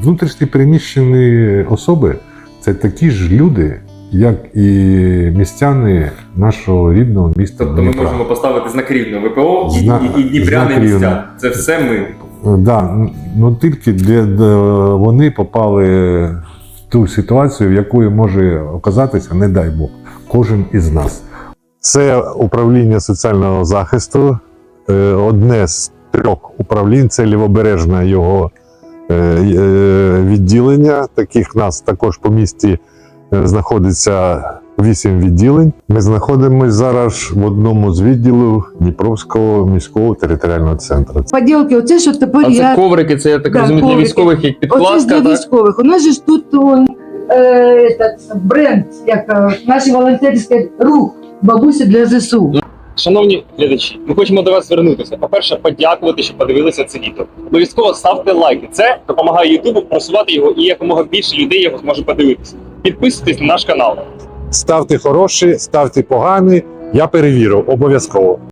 Внутрішні переміщені особи – це такі ж люди, як і містяни нашого рідного міста Тобто Дніпра. ми можемо поставити знак рівно ВПО і дніпряни знак містян. рівно. Це все ми. Да, ну тільки де вони попали в ту ситуацію, в якої може оказатися, не дай Бог, кожен із нас. Це управління соціального захисту, одне з 3 управлінь, це лівобережне його відділення. Таких в нас також по місті знаходиться 8 відділень. Ми знаходимося зараз в одному з відділів Дніпровського міського територіального центру. Поділки, оце що тепер А це я... коврики, це я так Да, розумію, для коврики. військових як Оце ж підкладка, для так? військових. У нас же ж тут бренд, як наш волонтерський рух «Бабусі для ЗСУ». Шановні глядачі, ми хочемо до вас звернутися. По-перше, подякувати, що подивилися це відео. Обов'язково ставте лайки. Це допомагає Ютубу просувати його і якомога більше людей його зможе подивитися. Підписуйтесь на наш канал. Ставте хороші, ставте погані, я перевірю обов'язково.